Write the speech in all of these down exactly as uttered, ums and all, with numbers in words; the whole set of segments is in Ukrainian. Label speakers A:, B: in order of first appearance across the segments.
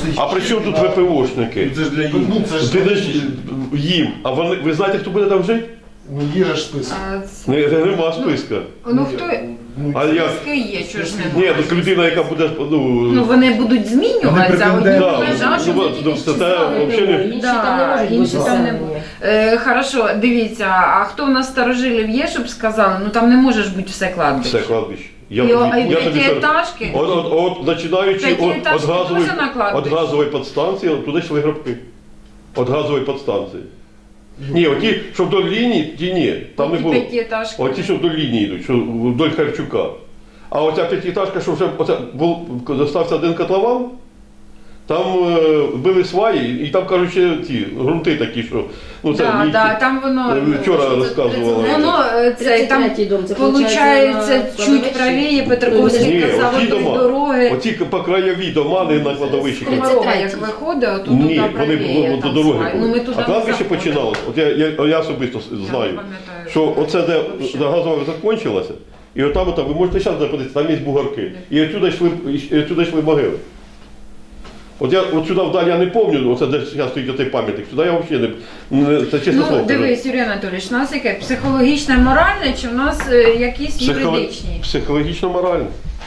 A: А при чому тут ВПОшники?
B: Це ж для їх.
C: Ну, це ж
A: Ти ж їм. А вони, ви знаєте, хто буде там жити?
C: Ну, є ж список.
D: А, це-
A: Не, нема списка.
D: Ну хто
C: Ну,
A: А я...
D: списки є, чого ж
A: Ні,
D: немає?
A: так людина, яка буде, ну...
D: Ну вони будуть змінюватися, а одні
B: претенденти.
A: Да,
D: лежать,
A: ну,
D: що
A: ну, ну, це те, взагалі не...
E: Інші
D: Да,
E: там не можуть
D: інші
E: бути
D: там не
E: самі.
D: будуть. Е, хорошо, дивіться, а хто в нас старожилів є, щоб сказали, ну там не може ж бути все кладбище.
A: Все кладбище. Я,
D: І, о- а й
A: я тобі кажу,
D: п'ятиэтажки?
A: От, от, от, починаючи от,
D: П'ятиэтажки
A: от, газової,
D: теж на кладбище?
A: от газової підстанції, от туди йшли гробки. От газової підстанції. Ні, оті, що вдоль лінії, ті ні, там не
D: Ті
A: було.
D: п'ятиэтажки.
A: Оті, що вдоль лінії йдуть, що вдоль Харчука. А оця п'ятиэтажка, що вже оця, був, залишився один котлован, там е, били сваї, і там, кажуть, ще ті грунти такі, що... Ну, це
D: Да,
A: мені
D: да, там воно,
A: е, вчора
E: Що це,
A: розказувала.
E: тридцять
D: воно е, це там
E: тридцять третій дом, це
D: получається
E: на
D: чуть правіє, Петраковський
A: Ні,
D: казав,
A: оті
D: вдоль
A: дома,
D: дороги.
A: оці по краєві дома, не на кладовищі.
D: Комарова, як виходить, отут
A: Ні,
D: туди
A: вони
D: правіє.
A: до
D: там
A: дороги
D: свай. Ну,
A: були.
D: ми туди
A: А
D: не
A: кладбище
D: заходимо.
A: починалося. От я, я, я особисто
D: Я не
A: знаю,
D: пам'ятаю,
A: що оце де
D: Вообще.
A: газова закінчилася, і отам, отам, ви можете зараз подивитися, там є бугарки. І отсюди йшли, і отсюди йшли могили. От я от сюди вдалі я не пам'ятаю, оце де зараз стоїть оцей пам'ятник, сюди я взагалі не, не це чесно
D: Ну,
A: слово. кажу.
D: дивись, Юрій Анатолійович, у нас яке психологічне, моральне, чи в нас е, якісь
A: Психоло-
D: юридичні?
A: Психологічно морально.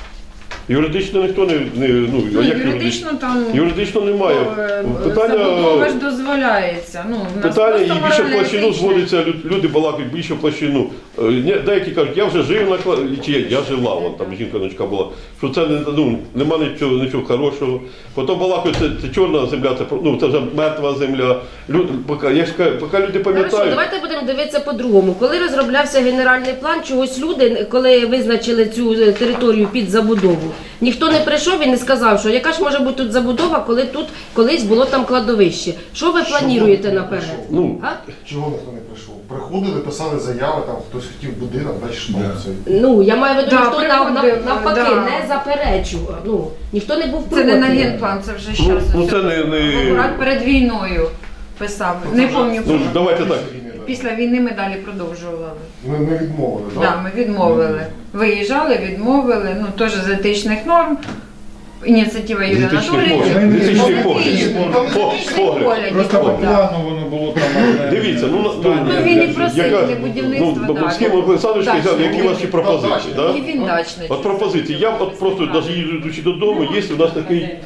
A: Юридично ніхто не, не ну,
D: Ну,
A: а як
D: юридично там
A: Юридично немає.
D: е,
A: Питання,
D: забудова ж дозволяється. Ну, в нас
A: питання
D: просто
A: і більше в
D: морально
A: площину
D: етичне.
A: зводиться, лю- люди балакають більше в площину. Е, ні, Деякі кажуть, я вже жив на кла- чи я, я жила, вон там жінка дочка була, що це не, ну, нема нічого, нічого хорошого. Потім балакають, це, це чорна земля, це, про- ну, це вже мертва земля. Люд, поки, я ж кажу, поки люди
E: Хорошо,
A: пам'ятають.
E: давайте будемо дивитися по-другому. Коли розроблявся генеральний план, чогось люди, коли визначили цю е, територію під забудову, ніхто не прийшов і не сказав, що яка ж може бути тут забудова, коли тут колись було там кладовище. Що ви плануєте наперед?
A: Ну,
E: А?
C: Чого ніхто не прийшов? Приходили, писали заяви, там хтось хотів будинок, далі що
B: Да.
C: це.
E: Ну, я маю в виду,
D: Да,
E: ніхто нав- нав-
D: приходив,
E: навпаки
D: да.
E: не заперечував. Ну, ніхто не був
D: Це не на
E: проти.
D: генплан, це вже
A: ну,
D: зараз.
A: ну це не... не...
D: Акурат перед війною писав. Не пам'ятаю.
A: Ну, давайте так.
D: Після війни ми далі продовжували.
C: Ми, ми відмовили,
D: Так,
C: так?
D: да, ми відмовили. Виїжджали, відмовили, ну теж з етичних норм. Ініціатива Юрія
A: З етичних
D: Анатолійовича.
A: поглядів. З етичних
D: Ну,
A: поглядів.
D: етичних
A: По- погляд.
D: поглядів,
B: Просто по
D: да.
B: плану воно було там одне.
A: Дивіться, ну, ну,
B: здання.
D: Ну, він і
A: я-
D: просив
A: яка-
D: для будівництва,
A: Ну,
D: да.
A: з ким Олександрович
D: Дачний
A: сказав, які
D: будинок.
A: ваші пропозиції,
C: Да,
A: так?
D: І він дачний.
A: От пропозиції. Я от просто навіть їдучи додому, є у нас такий е,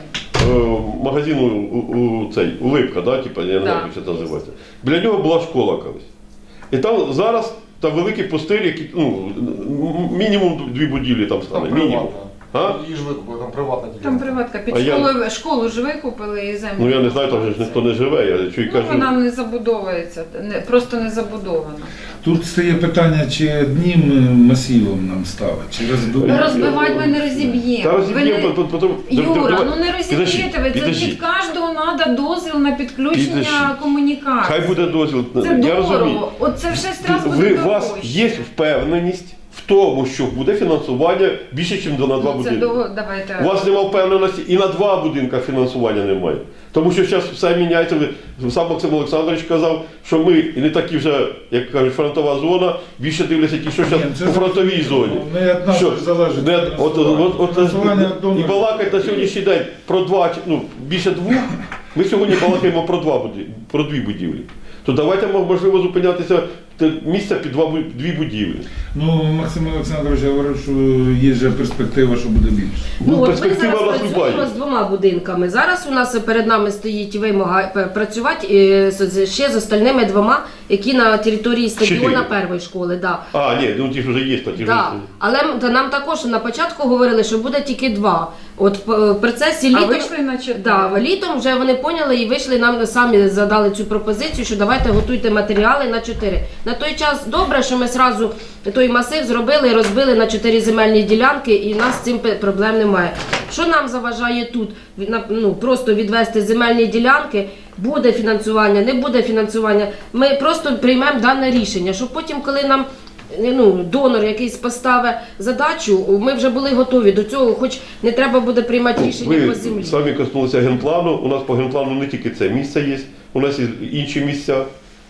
A: магазин у, у, у цей, Улипка, да, типа, я не знаю,
D: Да.
A: як це називається. Біля нього була школа колись. І там зараз там великий пустир, який, ну, м- мінімум дві будівлі там
C: Там
A: стане. Мінімум.
C: приватна.
A: А?
C: Її ж викупили, там приватна ділянка.
D: Там приватка під
A: А я-
D: школою, школу ж викупили і землю.
A: Ну я не знаю, там же ж ніхто не живе, я чую
D: Ну,
A: кажу.
D: вона не забудовується, не, просто не забудована.
B: Тут стає питання, чи одним масивом нам ставить, чи
D: Ну,
B: розбивати.
D: розбивати ми не розіб'ємо.
A: Та
D: Ви
A: розіб'ємо,
D: не-
A: по- по- потім...
D: Юра, ну не
A: Підожди,
D: розіб'єте ви, це
A: підожди.
D: від кожного треба дозвіл на підключення
A: Підожди.
D: комунікації.
A: Хай буде дозвіл.
D: Це
A: я розумію.
D: дорого, от це все одразу
A: Ви,
D: буде
A: у вас
D: дорожче.
A: є впевненість в тому, що буде фінансування більше, ніж на два
D: Ну, це
A: будинки.
D: довго, давайте.
A: У вас немає впевненості і на два будинка фінансування немає. Тому що зараз все міняється. Ви- Сам Максим Олександрович казав, що ми і не такі вже, як кажуть, фронтова зона, більше дивляться ті, що зараз
B: Ні, це
A: у фронтовій зоні.
B: Не від нас
A: Що?
B: залежить.
A: Не, от, от, от,
B: Фінансування від
A: і
B: донорів.
A: балакать на сьогоднішній день про два, чи- ну, більше двох. Ми сьогодні балакаємо про два будівлі, про дві будівлі. То давайте можливо зупинятися те місце під два, бу- дві будівлі.
B: Ну, Максим Олександрович говорив, що є же перспектива, що буде більше.
E: Ну, от ми
A: перспектива
E: зараз
A: у нас
E: працюємо
A: любая.
E: з двома будинками. Зараз у нас перед нами стоїть вимога п- працювати е, з- з- ще з остальними двома, які на території стадіона
A: Чотири.
E: першої школи. Да.
A: А, ні, ну ті ж вже є, та ті ж.
E: Да. Але м- та нам також на початку говорили, що буде тільки два. От в в процесі
D: А
E: літом,
D: вийшли на чотири.
E: да, літом вже вони поняли і вийшли, нам самі задали цю пропозицію, що давайте готуйте матеріали на чотири. На той час добре, що ми зразу той масив зробили і розбили на чотири земельні ділянки, і в нас з цим пе- проблем немає. Що нам заважає тут? Від- на- Ну, просто відвести земельні ділянки, буде фінансування, не буде фінансування. Ми просто приймемо дане рішення, щоб потім, коли нам ну, донор якийсь поставить задачу, ми вже були готові до цього, хоч не треба буде приймати рішення
A: Ви
E: по землі.
A: самі коснулися генплану. У нас по генплану не тільки це місце є, у нас є інші місця.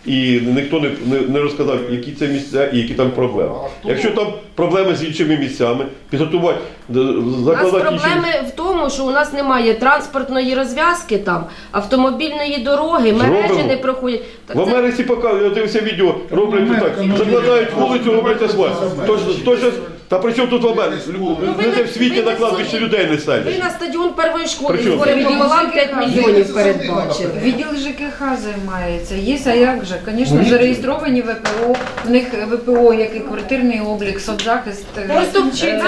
A: і ніхто не, не, не розказав, які це місця і які там проблеми. Якщо там проблеми з іншими місцями, підготувати, д-
E: У нас
A: закладати інші.
E: проблеми в тому, що у нас немає транспортної розв'язки там, автомобільної дороги, мережі
A: Зробимо.
E: не проходять. Так
A: В
E: це-
A: Америці показують, я дивився відео, роблять
B: Америка,
A: так,
B: ну,
A: закладають
B: ну,
A: вулицю,
B: ну,
A: роблять
B: ну,
A: асфальт.
B: ну,
A: Тож,
B: ну,
A: тож,
B: ну,
A: та при чому тут в Америці?
B: Ну,
E: ви
A: Люди
E: на-
A: в світі
E: ви
A: на
E: на
A: кладбищі
E: сьогодні-
A: людей не
E: Ви
A: селять.
E: на стадіон першої школи
A: Причому?
E: збори пополам п'ять мільйонів передбачили.
D: Відділ ЖКХ займається. Є, а як же? Звісно,
B: Ну,
D: зареєстровані ВПО. У них ВПО, як і квартирний облік, соцзахист. е,
E: Просто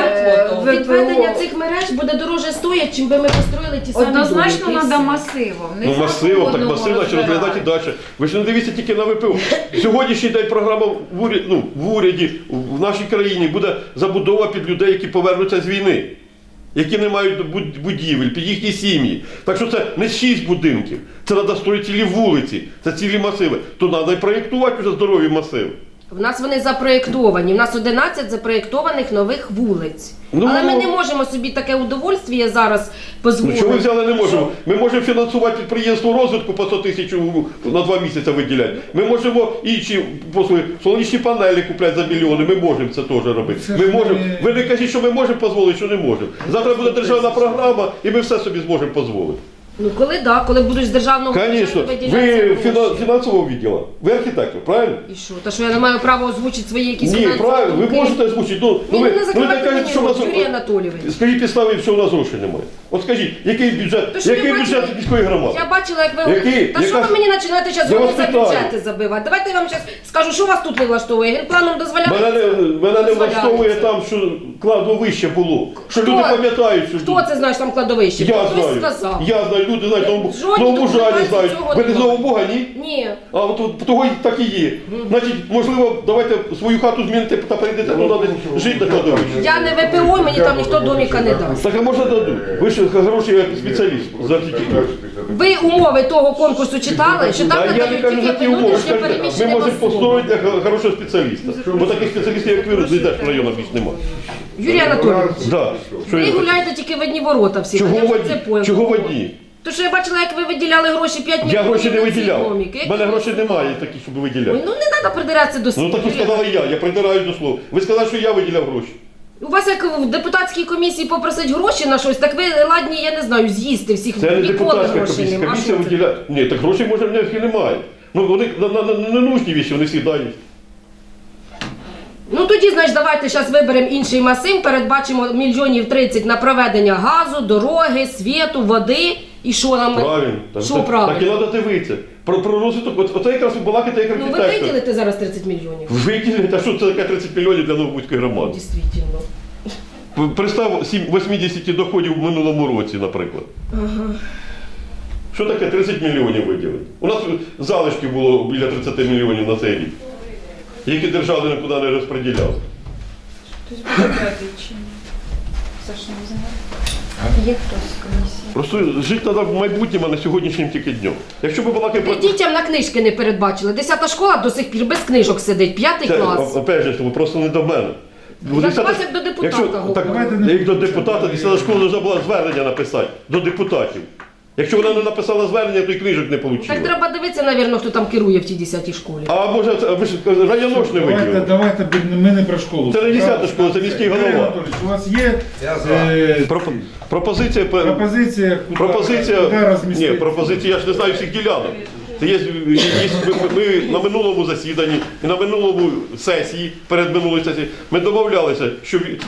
D: е,
E: е,
D: ВПО.
E: відведення цих мереж буде дороже стоять, чим би ми построїли ті самі
D: Однозначно
E: домики, і
D: треба
E: все.
D: масивом. Не
A: Ну
D: за
A: масиво, так
D: одного
A: масиво, наче розглядати
D: розбирають.
A: далі. Ви ж не дивіться тільки на ВПО. Сьогоднішній день програма в уряді, ну, в уряді, в нашій країні буде забудова під людей, які повернуться з війни, які не мають буд- будівель, під їхні сім'ї. Так що це не шість будинків, це треба строїти цілі вулиці, це цілі масиви. То треба і проєктувати вже здорові масиви.
E: В нас вони запроєктовані. В нас одинадцять запроєктованих нових вулиць.
A: Ну,
E: Але ми
A: ну.
E: не можемо собі таке удовольствие зараз
A: Ну чого ви
E: дозволити.
A: взяли не можемо? Ми можемо фінансувати підприємство розвитку по сто тисяч у- на два місяці виділяти. Ми можемо інші послуги, сонячні панелі купляти за мільйони, ми можемо це теж робити.
B: Це
A: Ми
B: ж
A: можемо.
B: не-
A: Ви не кажіть, що ми можемо дозволити, що не можемо. Завтра буде державна програма і ми все собі зможемо дозволити.
E: Ну коли да, коли будуть з державного
A: Звісно,
E: бюджету
A: ви
E: виділятися
A: фіна-
E: гроші.
A: фінансового відділу, ви архітектор, правильно?
E: І що? Та що я не маю права озвучити свої якісь
A: Ні,
E: фінансові
A: правильно, ви
E: думки?
A: можете озвучити. Ну, ну,
E: Ні,
A: ви,
E: ну, не
A: ну, ви
E: закривайте
A: так кажете,
E: мені
A: що в нас...
E: рот, Юрій Анатолійович.
A: Скажіть підстави, що у нас грошей немає. От скажіть, який бюджет,
E: То що
A: який
E: я
A: бюджет
E: бачила-
A: міської громади?
E: Я бачила, як ви
A: Який?
E: Та що
A: Яка-
E: ви мені починаєте зараз
A: Я вас
E: за
A: питаю.
E: бюджети забивати? Давайте я вам зараз скажу, що вас тут не влаштовує. Генпланом дозволяє.
A: Мене не, мене не
E: Дозволяється.
A: влаштовує там, що кладовище було. Що
E: Хто?
A: люди пам'ятають, що
E: Хто це знає, що там кладовище?
A: я
E: Хтось
A: знаю.
E: сказав.
A: Я знаю, люди знають, новому
E: Жодні
A: новому жалі
E: документації
A: знають.
E: цього
A: Ви не з
E: немає.
A: Нового Бога, ні?
E: Ні.
A: А от, от того й так і є. Значить, можливо, давайте свою хату зміните та перейдете туди десь жити на кладовищі.
E: Я не ВПО, мені там ніхто доміка не дасть.
A: Так а може дадуть? Ви ж хороший як спеціаліст з архітектури.
E: Ви умови того конкурсу читали, що там
A: А я не
E: надають
A: кажу за
E: тільки
A: ті умови,
E: внутрішньо
A: скажіть, ми
E: переміщені
A: можемо
E: особи.
A: построїти для хо- хорошого спеціаліста. Бо таких спеціалістів, як ви, ніде ж в районах більш немає.
E: Юрій Анатолійович,
A: Да. Що
E: ви
A: я-
E: гуляєте тільки в одні ворота всі.
A: Чого
E: Я
A: в
E: вже
A: одні?
E: це поняла.
A: Чого в одні?
E: То що я бачила, як ви виділяли гроші п'ять
A: Я
E: мільйонів
A: гроші не
E: на ці
A: виділяв.
E: домики.
A: У мене грошей немає таких, щоб
E: Ой,
A: виділяти.
E: ну не треба придиратися до
A: Ну
E: слів.
A: так і сказала я, я придираюсь до слова. Ви сказали, що я виділяв гроші.
E: У вас як в депутатській комісії попросить гроші на щось, так ви ладні, я не знаю, з'їсти всіх.
A: Це не
E: Ніколи
A: депутатська
E: грошей
A: комісія.
E: нема.
A: Комісія
E: Що це?
A: виділяє. Ні, так грошей може в них і немає. Ну вони на, на, на, на нужні віші, вони всі дають.
E: Ну тоді, значить, давайте зараз виберемо інший масив, передбачимо мільйонів тридцять на проведення газу, дороги, світу, води. І що нам?
A: Правильно. Так,
E: Що
A: так,
E: правильно?
A: так і треба дивитися. Про, про розвиток, от, оце якраз ви балакаєте як
E: Ну ви
A: архітектор.
E: виділите зараз тридцять мільйонів.
A: Виділити, а що це таке тридцять мільйонів для Новобузької громади?
E: Дійсно.
A: Представ сім- вісімдесят доходів в минулому році, наприклад.
E: Ага.
A: Що таке тридцять мільйонів виділити? У нас залишки було біля тридцять мільйонів на цей рік, які держава нікуди не розподіляла.
D: Хтось буде брати чи ні? Саша, не знаю. Є хтось з комісії?
A: Просто жити треба в майбутньому, а не сьогоднішнім тільки днем. Якщо ми балакаємо
E: Ви
A: про...
E: дітям на книжки не передбачили. Десята школа до сих пір без книжок сидить, п'ятий
A: Це,
E: клас.
A: опять же, тому просто не до мене.
E: Я
A: Десята-
E: до вас як до депутата
A: Якщо,
E: говорю.
A: так,
B: Давайте не
A: як до
B: будемо
A: депутата,
B: це
A: десята школа повинна була звернення написати до депутатів. Якщо вона не написала звернення, то і книжок не
E: Так
A: отримала.
E: треба дивитися, навірно, хто там керує в тій десятій школі.
A: А може, це- ви ж районо ж не
B: Давайте,
A: виділили?
B: давайте, бі- ми не про школу.
A: Це не десята школа, це міський голова.
B: Юрій Анатолійович, у вас є
C: Я за.
B: е,
A: Пропо- Пропозиція... пе-
B: пропозиція, куди,
A: Пропозиція,
B: куди розмістити?
A: ні, пропозиція, я ж не знаю всіх ділянок. Це є, є, є ми, ми на минулому засіданні і на минулому сесії, перед минулою сесією, ми домовлялися, що ві-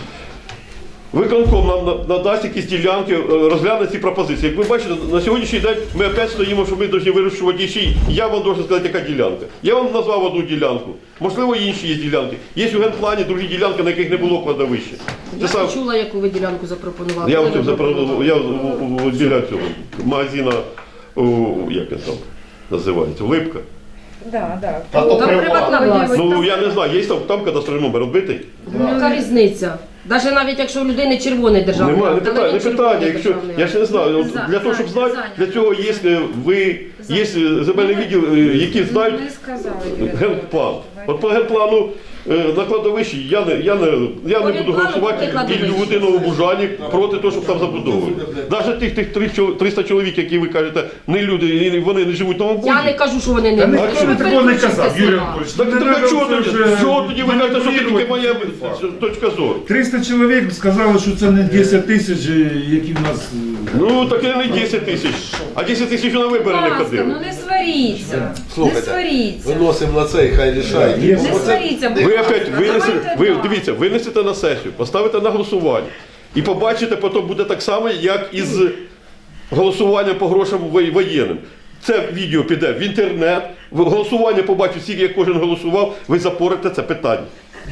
A: виконком нам на- надасть якісь ділянки, е, розгляне ці пропозиції. Як ви бачите, на сьогоднішній день ми опять стоїмо, що ми повинні вирішувати ще. й- Я вам должен сказати, яка ділянка. Я вам назвав одну ділянку. Можливо, інші є ділянки. Є у генплані другі ділянки, на яких не було кладовища.
E: Я
A: Це сам-
E: не чула, яку ви ділянку запропонували.
A: я
E: Ви
A: ось
E: не
A: запропонував, я в- в- біля цього магазина, о, як він там називається, Липка.
D: Да, да.
C: Та то
E: Там
C: приватно.
E: приватна власність.
A: Ну я не знаю, є там, там кадастровий номер відбитий?
E: Яка різниця? Навіть навіть якщо у людини червоний державний.
A: Немає, не
E: акт, але
A: питання, не
E: він червоний
A: питання. Якщо
E: державний
A: я
E: акт.
A: ж не знаю, от
D: За-
A: для того, щоб
D: зайнято,
A: знати,
D: зайнято.
A: для цього є е, ви, є е, земельний відділ, е, які знають
D: Не сказали, Юрій
A: генплан.
D: Анатолійович.
A: От по генплану е, на кладовищі я не, я не, я не буду голосувати і в Людиновому Бужані проти того, щоб там забудовували. Навіть тих, тих три чол- триста чоловік, які ви кажете, не люди, і вони не живуть на
E: Я
A: Бужі.
E: не кажу, що вони не
B: Та
E: можуть.
B: ніхто не такого не казав, Юрій Анатолійович.
A: Так,
B: Не
A: так
B: треба
A: а чого
B: це
A: тоді?
B: вже
A: Чого тоді ви кажете, що це тільки моя
B: маніпулювати цей факт.
A: точка зору?
B: триста чоловік сказали, що це не десять тисяч, які в нас... е,
A: Ну, так і не десять тисяч, а десять тисяч на вибори не
D: Будь ласка,
A: ходили.
D: ну не сваріться. Не
F: Слухайте,
D: сваріться.
F: виносимо на це і хай рішають.
B: Є.
D: Не сваріться, будь
A: Ви
D: ласка.
A: опять винесете,
D: Давайте
A: ви
D: так.
A: дивіться, винесете на сесію, поставите на голосування. І побачите, потім буде так само, як із голосуванням по грошам воє- воєнним. Це відео піде в інтернет, в голосування побачить всіх, як кожен голосував, ви запорите це питання.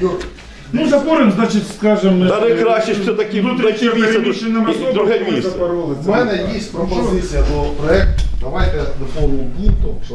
B: Ну, запорим, значить, скажемо...
A: Та найкраще ж все-таки знайти місце,
B: переміщеним
A: і
B: особам,
A: друге
B: ми
A: місце.
B: запороли
C: У
B: це.
C: мене є пропозиція до проекту. Давайте доповнимо пунктом, що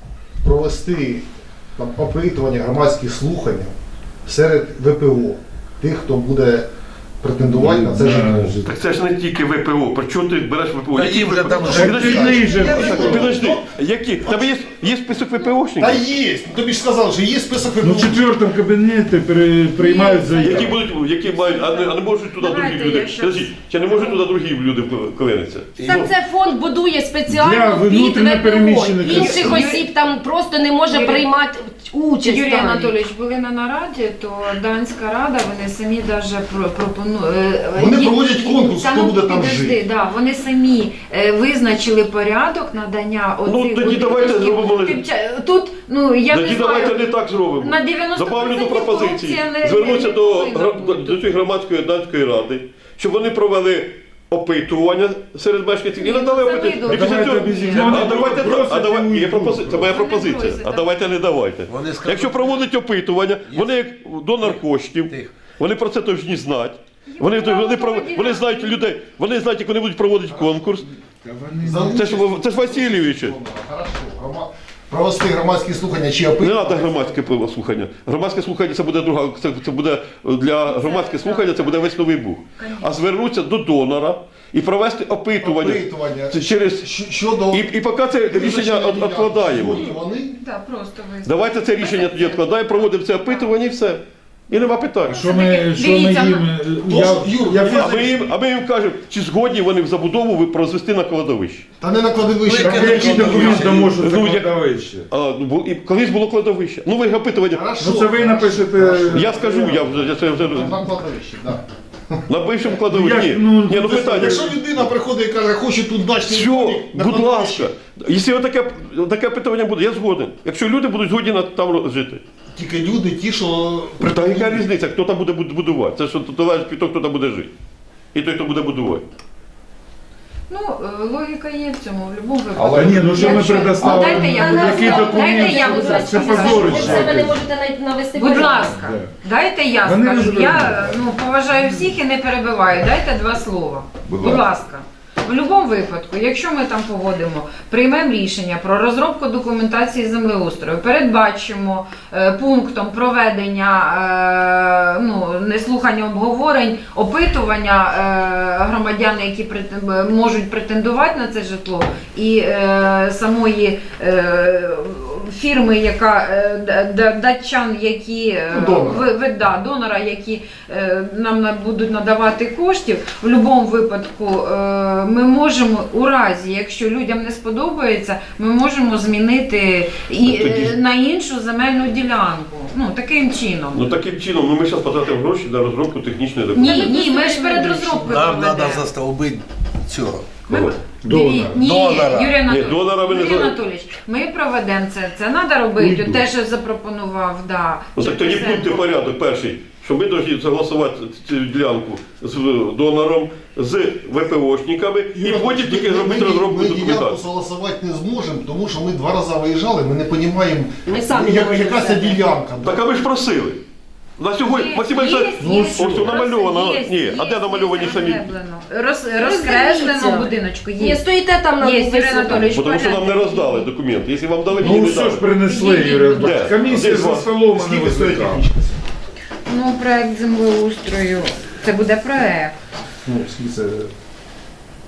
C: провести там опитування, громадські слухання серед ВПО, тих, хто буде претендувати на це житло.
A: Так це ж не тільки ВПО, про чого ти береш ВПО?
F: Та
A: Які
F: їм вже
A: ВПО?
F: там
A: Так,
F: вже
A: підожди,
B: Ти же-
A: так, підожди, які? Тебе є, є список
C: Та
A: ВПОшників?
C: є! Тобі ж сказали, що є список
B: Ну, в
C: ВПО.
B: четвертому кабінеті при- приймають заяву.
A: Які будуть, які мають, а не, а не можуть туди
D: Давайте
A: другі люди.
D: я щас-
A: Подожди, чи не можуть туди другі люди клинитися?
E: Так це фонд будує
B: Для
E: спеціально під
B: внутрішньо
E: ВПО.
B: переміщених
E: Інших
D: осіб.
E: осіб там просто не може
D: Юрій-
E: приймати участь.
D: Юрій
E: там.
D: Анатолійович, були на нараді, то Данська рада, вони самі даже про- пропонують.
C: Вони проводять конкурс, хто буде там жити.
D: Да, вони самі е, визначили порядок надання
A: Ну,
D: оцих
A: тоді
D: будинків.
A: давайте зробимо-
D: Типча- Тут, ну, я
A: Тоді
D: не знаю.
A: давайте не так зробимо.
D: На дев'яносто
A: Добавлю до
D: відсотків
A: пропозиції.
D: корупція не-
A: Звернуся
D: не
A: до,
D: повинна
A: гра-
D: бути.
A: до цієї громадської данської ради, щоб вони провели опитування серед мешканців і надали
D: це
A: опитування.
D: видно.
A: І після
B: Давайте
A: цього-
B: без їх.
A: А
B: Вони
A: давайте,
B: просять
A: а давай,
B: і
A: є пропози-
B: уйдуть.
A: це моя
D: Вони
A: пропозиція.
D: просять,
A: А
D: так.
A: давайте не давайте.
F: Вони скажуть-
A: Якщо проводять опитування, вони як донор коштів,
F: Тихо.
A: вони про це повинні знати. Вони, вони, пров- вони знають людей, вони знають, як вони будуть проводити конкурс.
B: Та вони-
C: За
A: Це ж, це ж Васильович.
C: Хорошо. Грома- Провести громадські слухання чи
A: Не
C: опитування.
A: треба громадське слухання. Громадське слухання це буде друга. Це, це буде для громадське слухання, це буде весь Новий Буг. А звернутися до донора і провести опитування.
C: Опитування.
A: Це через
C: Щ- Щодо
A: і, і поки це рішення від- відкладаємо.
C: Вони
D: Да, просто визначили.
A: Давайте це рішення тоді відкладаємо, проводимо це опитування і все. І нема питань.
B: Що ми, що ми
D: Дивіться,
B: їм...
C: ну,
B: Я,
C: Юр,
B: я,
C: ну,
A: А ми їм, а ми їм кажемо, чи згодні вони в забудову ви- розвести на кладовище.
C: та не на кладовищі.
F: Ну, яке
C: там
B: Який
C: є
B: документ
C: кладовище.
B: може це
A: Ну, як-
B: кладовище?
A: А, ну, бу- і колись було кладовище. Ну ви опитування.
C: Хорошо.
B: Ну це ви напишете...
A: Я скажу, я вже я це вже
C: На кладовищі, так.
A: на бившому кладовищі.
B: Як?
A: Ні,
B: Ну,
A: ні, ну
B: це-
A: питання.
C: Якщо людина приходить і каже, хочу тут дачний
A: Все,
C: домик, на
A: будь
C: кладовищі,
A: ласка. Якщо таке, таке питання буде, я згоден. Якщо люди будуть згодні на- там жити.
C: тільки люди ті, що
A: Та яка різниця, хто там буде буд- будувати? Це що залежить від того, хто там буде жити. І той, хто буде будувати.
D: Ну, е, логіка є в цьому, в будь-якому випадку.
B: Але ні, ну що ми
D: Якщо-
B: предоставили?
D: Дайте я буду-
B: Який
D: дайте
B: документ?
D: я буду
B: Це
D: сказати.
E: Ви
B: позорище.
E: в себе не можете навіть навести
D: Будь
E: порядок.
D: ласка,
B: Да.
D: дайте я
B: Вони
D: скажу.
B: не
D: Я ну, поважаю всіх і не перебиваю. Дайте два слова. Будь ласка. В будь-якому випадку, якщо ми там погодимо, приймемо рішення про розробку документації землеустрою, передбачимо е, пунктом проведення е, ну, не слухання обговорень, опитування е, громадян, які претен- можуть претендувати на це житло, і е, самої е, фірми, яка е, д- д- датчан, які е,
C: Ну, донора.
D: ви- ви- да, донора, які е, нам на- будуть надавати коштів, в будь-якому випадку е, ми можемо у разі, якщо людям не сподобається, ми можемо змінити і,
A: Ну, тоді-
D: е, на іншу земельну ділянку. Ну таким чином.
A: Ну таким чином, ну ми зараз потратимо гроші на розробку технічної
D: Ні,
A: документації.
D: ні, ми ж перед розробкою
F: Нам
D: проведемо.
F: треба застолбити цього.
A: Кого?
D: Диві- Ні,
F: Донора.
D: Юрій Анатолійович,
A: Ні, донора ви не
D: Юрій
A: за-
D: Анатолійович, ми проведемо це. Це треба робити.
B: Уйду.
D: Те, що запропонував, да.
A: Ну так тоді
D: Шевченко.
A: пункти порядок перший, що ми повинні согласувати цю ділянку з донором, з ВПОшниками, і потім тільки зробити розробку
C: Ми ділянку
A: документації.
C: согласувати не зможемо, тому що ми два рази виїжджали, ми не розуміємо,
E: Ми самі не
C: як,
E: можемо
C: яка це
E: себе.
C: ділянка.
A: Так а ви ж просили. На сьогодні
D: Є,
A: Максим
D: є,
A: Олександрович,
D: є,
A: ось
D: є,
A: тут намальовано.
D: є,
A: Ні,
D: є,
A: а де
D: є,
A: намальовані
D: є,
A: самі?
D: розкреслено. Роз, розкреслено
E: Роздивіться.
D: в будиночку.
E: Є,
D: Є.
E: стоїте там на
D: Є,
E: висоті.
D: Юрій Анатолійович.
A: Бо Тому що нам не роздали документи. Якщо вам дали, мені
B: Ну
A: не
B: все ж
A: дали.
B: принесли,
D: Ідіть,
B: Юрій
D: будь
A: ласка.
B: Анатолійович. Комісія
A: Де?
B: за столом, а не
C: Скільки стоїть
B: возникла.
C: технічка?
D: Ну, проект землеустрою. Це буде проект.
C: Ну, скільки це?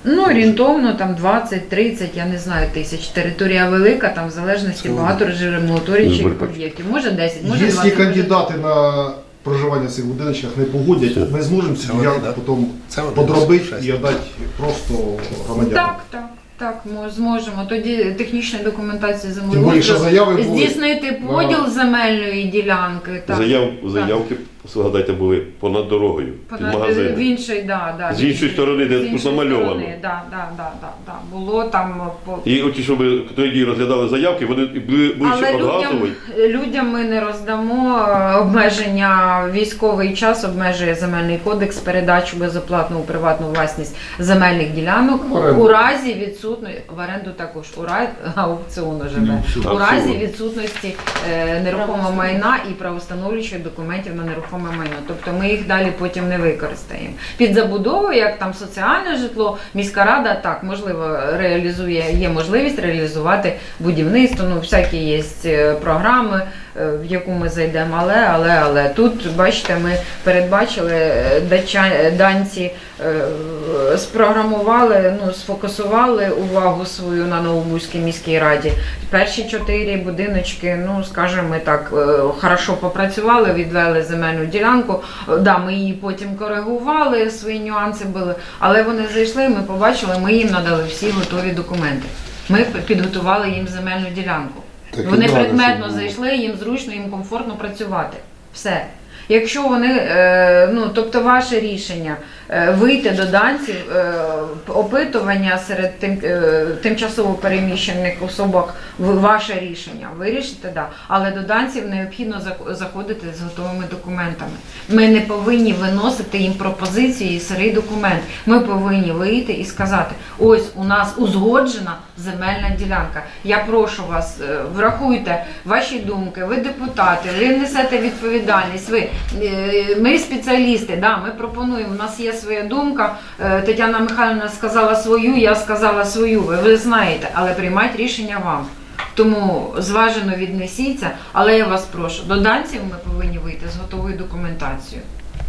D: Ну, орієнтовно там двадцять-тридцять, я не знаю, тисяч. Територія велика, там в залежності багато режимоутворюючих
A: Виборчі.
D: об'єктів. Може десять, може
C: Якщо
D: двадцять. може
C: кандидати на проживання в цих будиночках не погодять, ми зможемо ці
F: Це вони,
C: ділянки
F: да?
C: потім
F: Це вони,
C: подробити
F: шесть.
C: і віддати просто громадянам.
D: Так, так, так, ми зможемо. Тоді технічна документація
C: Тим більше
D: землеустрою,
C: заяви були.
D: здійснити поділ
C: Ага.
D: земельної ділянки. Так,
A: Заяв,
D: так.
A: заявки, згадайте, були понад дорогою, під
D: Понад-
A: магазином.
D: В іншій, да, да,
A: З іншої сторони, де
D: з
A: тут
D: іншої
A: намальовано.
D: сторони, Да, да, да, да, да. Було там по
A: І оті, що ми тоді розглядали заявки, вони були ближче
D: Але
A: від
D: людям,
A: газової.
D: людям ми не роздамо е, обмеження. Військовий час обмежує земельний кодекс передачу безоплатно у приватну власність земельних ділянок
C: В оренду.
D: у разі відсутності в оренду також у разі аукціону живе
A: Ну,
D: у разі
A: аукціон.
D: відсутності е, нерухомого майна і правоустановлюючих документів на нерухоме майно. Тобто ми їх далі потім не використаємо. Під забудову, як там соціальне житло, міська рада так можливо реалізує, є можливість реалізувати будівництво. Ну всякі є е, програми, е, в яку ми зайдемо, але але але тут бачите, ми передбачили е, дача, данці. е, Спрограмували, ну сфокусували увагу свою на Новобузькій міській раді. Перші чотири будиночки, ну скажімо ми так, е, хорошо попрацювали, відвели земельну ділянку. Е, Да, ми її потім коригували, свої нюанси були, але вони зайшли, ми побачили, ми їм надали всі готові документи. Ми підготували їм земельну ділянку.
C: Так і
D: Вони
C: надо,
D: предметно
C: щоб було.
D: зайшли, їм зручно, їм комфортно працювати. Все. Якщо вони, е, ну тобто ваше рішення е, вийти до данців, е, опитування серед тим, е, тимчасово переміщених особок, ви- ваше рішення, вирішите, да. Але до данців необхідно зак- заходити з готовими документами. Ми не повинні виносити їм пропозиції і сирий документ. Ми повинні вийти і сказати, ось у нас узгоджена земельна ділянка. Я прошу вас, е, врахуйте ваші думки, ви депутати, ви несете відповідальність, ви, е, ми спеціалісти, да, ми пропонуємо, у нас є своя думка, е, Тетяна Михайлівна сказала свою, я сказала свою, ви, ви знаєте, але приймайте рішення вам. Тому зважено віднесіться, але я вас прошу, до данців ми повинні вийти з готовою документацією.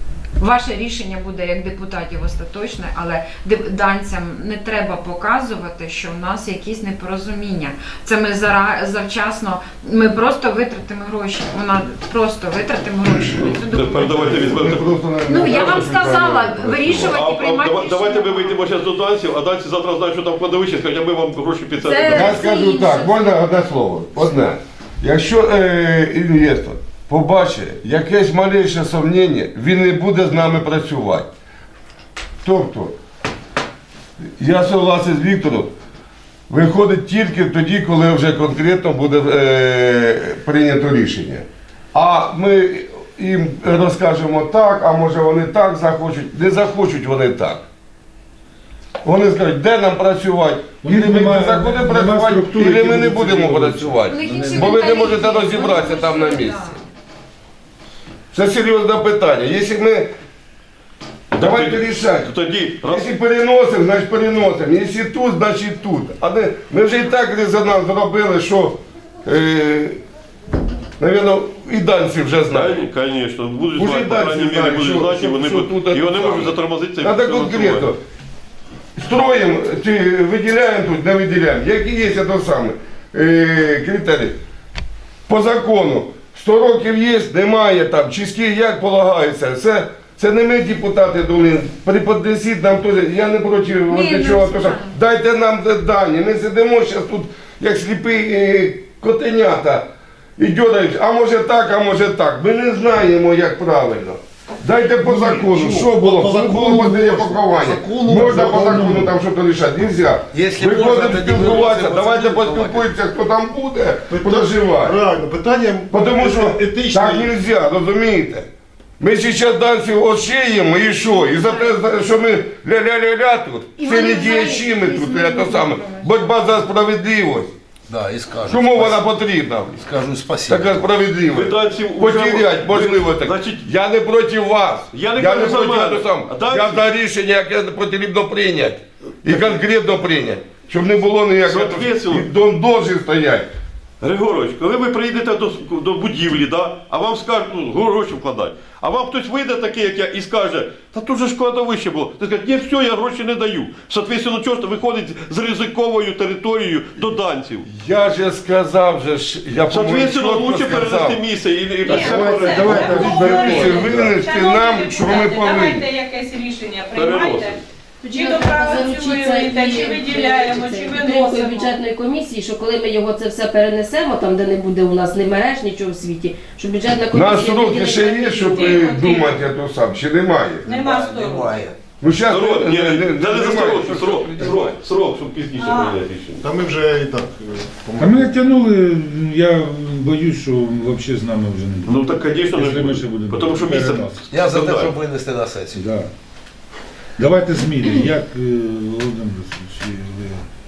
D: Ваше рішення буде як депутатів остаточне, але деп- данцям не треба показувати, що в нас якісь непорозуміння. Це ми зара- завчасно, ми просто витратимо гроші. Вона просто витратимо гроші. на цю
A: Тепер давайте
D: документацію.
A: візьмемо.
D: Ну я вам сказала,
A: А,
D: вирішувати
A: а,
D: і приймати
A: дава- давайте ми
D: рішення.
A: вийдемо зараз до данців, а данці завтра знають, що там в кладовищі, скажуть, а ми вам гроші під це
D: Це-
A: не дамо.
G: Я скажу
D: інше.
G: так, можна одне слово? Одне. Якщо е, інвестор побачить якесь малейше сумніння, він не буде з нами працювати. Тобто, я согласен з Віктором, виходить тільки тоді, коли вже конкретно буде е, прийнято рішення. А ми їм розкажемо так, а може вони так захочуть. Не захочуть вони так. Вони скажуть, де нам працювати? І
B: Вони
G: ми
B: немає-
G: заходимо
B: немає
G: працювати,
B: структури,
G: і ми
B: які
G: не
B: будуть
G: будемо
B: цивілізовані.
G: працювати.
D: У них інші
G: Бо ви не
D: менталітет.
G: можете розібратися там на
D: Вони
G: місці.
D: да.
G: Це серйозне питання. Якщо ми. Давайте
A: тоді-
G: рішати.
A: Тоді, раз
G: Якщо переносимо, значить переносимо. Якщо тут, значить тут. А не, ми вже і так резонанс зробили, що, е, навірно, і данці вже знають.
A: звісно, будуть
G: Уже
A: знати, по
G: далі
A: крайній мірі
G: знають,
A: будуть
G: що-
A: знати, і
G: що-
A: вони
G: що
A: будуть-
G: тут
A: і вони
G: це
A: можуть
G: саме.
A: затормозити це.
G: Надо конкретно. Строїмо, чи виділяємо тут, не виділяємо. Які є це саме е, критерії? По закону. сто років є, немає там, чистки як полагається. Це, це не ми депутати думаємо, приподнесіть нам теж. Я не проти
D: Ні,
G: от
D: ну,
G: чого.
D: звичайно.
G: Дайте нам дані. Ми сидимо зараз тут, як сліпі е, котенята. І дьорають, а може так, а може так. Ми не знаємо, як правильно. Дайте по закону,
C: чого?
G: що було?
C: По
G: Що
C: закону
G: було можливе
C: можна.
G: поховання?
C: Закону
G: Можна по
C: закону.
G: закону там щось рішати? Нельзя.
F: Якщо
G: Виходимо
F: можна, тоді
G: спілкуватися,
F: виносимо
G: давайте
F: пацанів,
G: поспілкуємося, хто там буде,
C: Питання-
G: проживає.
C: Реально, питання
G: Тому що
C: етичне.
G: так нельзя, розумієте? Ми зараз данців ошиємо і що? І за те, за- що ми ля-ля-ля-ля тут,
D: І
G: це
D: вони
G: не
D: взагалі
G: діячі ми тут,
D: не
G: це саме. Боротьба за справедливість.
F: Да, і скажу.
G: Чому
F: спасибо.
G: вона потрібна?
F: Скажу спасибо.
G: Така справедливість.
A: Ви данців уже-
G: Потерять
A: ви-
G: можливо так.
A: Значить,
G: Я не проти вас.
A: Я не кажу за
G: проти
A: мене.
G: того сам.
A: А данці-
G: Я за рішення, яке потрібно прийняти. І конкретно прийняти. Щоб не було ніякого.
A: Соответственно.
G: І дом должен стояти.
A: Григорович, коли ви приїдете до, до будівлі, да, а вам скажуть, ну, гроші вкладати, А вам хтось вийде такий, як я, і скаже, та тут же ж кладовище було. Ти скажеш, ні, все, я гроші не даю. Соответственно, чого ж виходить з ризиковою територією до данців.
G: Я же сказав, же ж, я по-моєму,
A: Соответственно,
G: чітко
A: лучше
G: сказав.
A: перенести місце і, і, і
G: Давайте, давайте, виберіться, винести нам, що ми повинні.
H: Давайте якесь рішення приймайте.
A: Переносимо.
H: Чи допрацюєте, чи виділяємо, чи
E: Другої
H: виносимо.
E: бюджетної комісії, що коли ми його це все перенесемо, там де не буде у нас ні мереж, нічого в світі, що бюджетна
G: У
E: комісія...
G: нас сроки
E: виділить
G: ще є,
E: комісію.
G: щоб
H: Тихо,
G: е,
H: тихо.
G: думати, а то сам, чи немає?
H: Нема сторон.
F: Немає.
G: Ну, зараз
A: Срок, ні,
G: не, не,
A: це не за
G: немає,
A: срок,
G: що
A: срок,
G: приймати.
A: срок, срок, щоб пізніше
H: А.
A: прийняти рішення.
C: Та ми вже і так.
B: А мене тягнули, я боюсь, що взагалі з нами вже не буде.
A: Ну так, звісно, не
B: Якщо ми ще
A: буде.
B: будемо
A: Тому що місце...
B: переносити.
F: Я за те,
A: складає.
F: щоб винести на сесію.
B: Да. Давайте зміни. Як е, Володимир Васильович, ви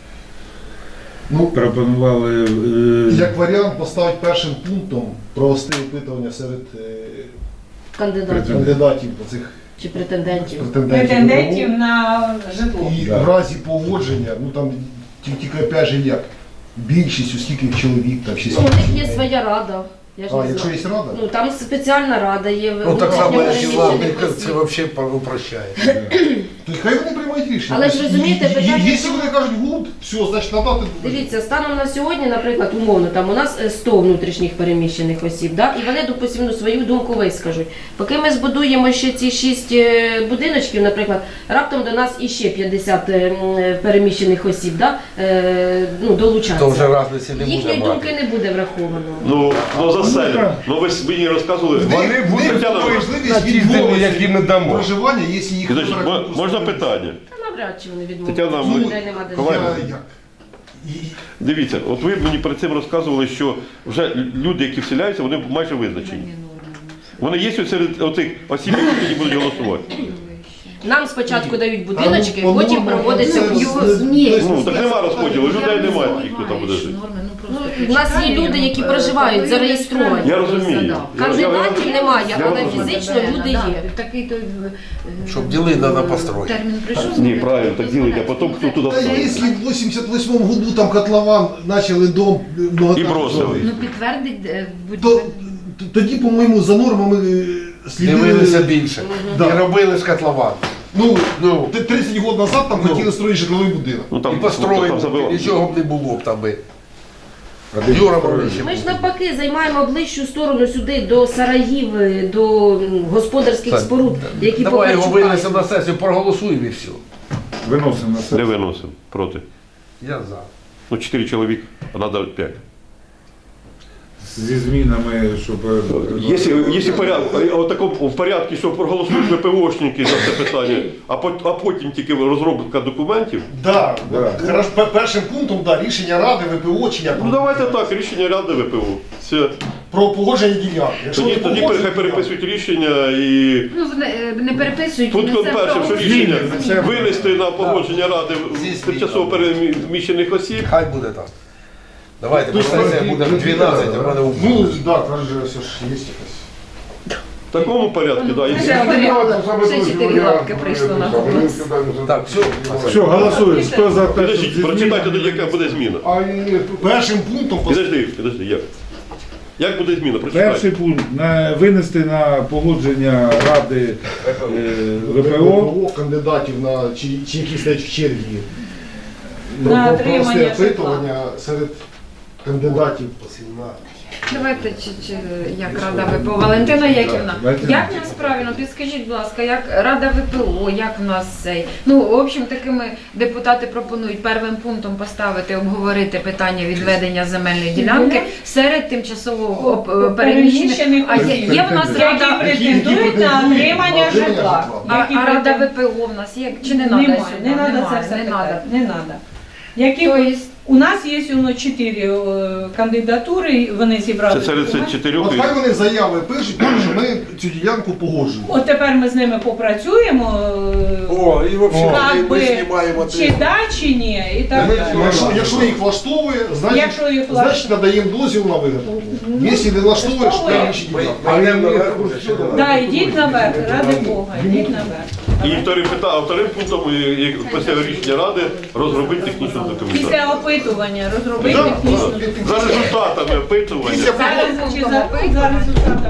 C: Ну,
B: пропонували е,
C: як варіант поставити першим пунктом провести опитування серед е,
E: Кандидатів
C: кандидатів оцих
E: чи претендентів.
C: претендентів.
H: Претендентів на житло.
C: І
B: Да.
C: в разі погодження, ну там ті- тільки опять же як, більшість, у скільки чоловік, там шість.
E: Ну, у них є
C: чоловік.
E: своя рада. Я ж
C: А,
E: не
C: якщо
E: знаю.
C: є рада?
E: Ну, там спеціальна рада є.
F: Ну так само, як і
E: внутрішньо
F: влади,
E: переміщених
F: це
E: осіб.
F: взагалі упрощає.
C: То хай вони приймають рішення.
E: Але ж розумієте,
C: І- і- і-
E: питання
C: Якщо
E: в тому-
C: вони кажуть гуд, все, значить надати.
E: Дивіться, станом на сьогодні, наприклад, умовно, там у нас е, сто внутрішніх переміщених осіб, да? І вони, допустимо, ну, свою думку вискажуть. Поки ми збудуємо ще ці шість е, будиночків, наприклад, раптом до нас іще п'ятдесят е, м, переміщених осіб, да? е, ну, долучаться.
F: То вже разниці не буде
E: Їхньої думки
F: мати.
E: не буде враховано.
A: Ну, ну заселять.
B: так.
A: Ну ви ж мені розказували.
G: Вони будуть
A: Тетяна,
G: можливість на ті землі, які ми дамо.
C: Проживання, якщо їх
A: Підождіть,
C: вибрати,
A: мо-
C: просто-
A: можна питання?
E: Та навряд чи вони відмовляться.
A: Тетяна,
E: Людей
A: ми-
E: нема де
A: Коваль-
E: жити.
C: Я- як? І-
A: Дивіться, от ви мені перед цим розказували, що вже люди, які вселяються, вони майже визначені. Вони є ось серед оцих осіб, які будуть голосувати.
E: Нам спочатку дають будиночки,
C: А, ну,
E: потім
C: по-моєму,
E: проводиться
C: це-
E: б'ю.
C: це-
E: Ні.
A: Ну, так нема розподілу, людей немає таких, хто там буде жити.
E: Ну, в нас є люди, які проживають, зареєстровані.
A: Я розумію. Я-
E: Кандидатів
A: я-
E: немає,
A: я
E: але
A: розумію.
E: фізично люди є.
D: Такий то
F: Щоб діли треба построїти.
D: термін прийшов.
A: Ні, правильно, так ділить, а потім хто туди
C: Та
A: вставить.
C: якщо в вісімдесят восьмому году там котлован почали дом
A: І
C: многоэтажний
A: бросили.
C: строїть,
D: Ну підтвердить е, будь
C: то т- тоді, по-моєму, за нормами е,
F: Дивилися
C: слідили.
F: більше.
C: Да.
F: І робили з котлован.
C: Ну,
F: Ну.
C: т- тридцять років назад там
F: Ну.
C: хотіли строїти житловий будинок.
A: Ну
F: І
A: там
F: построїли,
A: там забило.
F: нічого б не було б там би.
B: А де
F: Юра
B: строїли?
F: Мавричів.
E: Ми ж навпаки займаємо ближчу сторону сюди, до сараїв, до м, господарських
F: Так,
E: споруд, які
F: Давай його
E: Покарчука.
F: винесемо на сесію, проголосуємо і все.
B: Виносимо на
A: Не
B: себе.
A: виносив проти.
F: Я за.
A: Ну, чотири чоловік, а треба п'ять.
B: Зі змінами, щоб... е,
A: Якщо, якщо порядку, в такому в порядку, що проголосують ВПОшники за це питання, а, пот- а потім тільки розробка документів,
C: Да,
B: Да.
C: Хорошо, пе- першим пунктом да, рішення Ради, ВПО чи як
A: ну давайте так, рішення Ради ВПО. Це,
C: про погодження ділянки. Якщо
A: тоді
C: не
A: тоді
C: погоджують
A: хай
C: ділянку,
A: переписують рішення і
D: Ну, не, не переписують.
A: пунктом
D: не це
A: першим, що
D: про-
A: рішення
B: Зміни.
A: винести на погодження Ради
F: Зі
A: в тимчасово переміщених осіб.
F: Хай буде так. Давайте, бо
C: Ну,
F: сесія буде в дванадцять, а в мене у
C: Ну, да, каже, все ж є якась.
A: В такому порядку, да.
D: Вже
A: Якщо-
D: варіант. Ще чотири лапки прийшло на голос.
F: Так, все.
B: Все, голосуємо. Хто за те, щоб
A: Підождіть,
B: зі
A: прочитайте
B: змінами?
A: тоді, яка буде зміна.
C: А ні, першим пунктом пос-
A: Підожди, підожди, як? Як буде зміна? Прочитай.
B: Перший пункт на винести на погодження Ради е, ВПО.
C: ВПО кандидатів на чи, чи які стоять в чергі. Про-
H: На
C: про-
H: отримання
C: провести
H: житла.
C: опитування серед кандидатів.
D: Давайте чи, чи як Рада ВПО. Валентина Яківна,
B: Валентина.
D: як в нас правильно, підскажіть, будь ласка, як Рада ВПО, як в нас цей. Ну, в общем, такими депутати пропонують первим пунктом поставити, обговорити питання відведення земельної ділянки серед тимчасово оп- переміщених.
H: Переміщених
D: А є,
H: осіб.
D: є в нас
H: Які
D: Рада,
H: претендують на отримання житла.
D: а,
H: Які
D: а Рада
H: претендують-
D: ВПО в нас є? Чи не треба
H: Немає,
D: сюди?
H: не треба це
D: Немає,
H: все
D: не
H: питати,
D: треба.
H: не треба. Які
D: Тобто,
H: у нас є воно чотири е, кандидатури, вони зібрали.
A: Це серед цих
H: документи.
A: чотирьох.
C: От хай вони заяви пишуть, що ми цю ділянку погоджуємо.
H: От тепер ми з ними попрацюємо, е,
F: О, і взагалі
H: як
F: ми
H: би,
F: знімаємо
H: чи
F: три.
H: да, чи ні, і так
F: Ми
H: далі.
C: Якщо, якщо їх влаштовує, значить,
H: Якщо їх
C: значить
H: влаштовує.
C: надаємо дозвіл на виготовлення. Якщо не влаштовує, що
H: влаштовує.
C: там інші
F: Ми
C: ділянки.
F: ми йдемо наверху, ще не
H: Да,
F: надо.
H: йдіть наверх, ради Бога, йдіть наверх.
A: І вторим, пита- а вторим пунктом, і- і після рішення Ради, розробити технічну документацію.
H: Після опитування розробити
C: Да,
H: технічну
C: да.
A: За результатами опитування.
C: Після
H: Зараз
C: погодження.
H: чи за, за результатами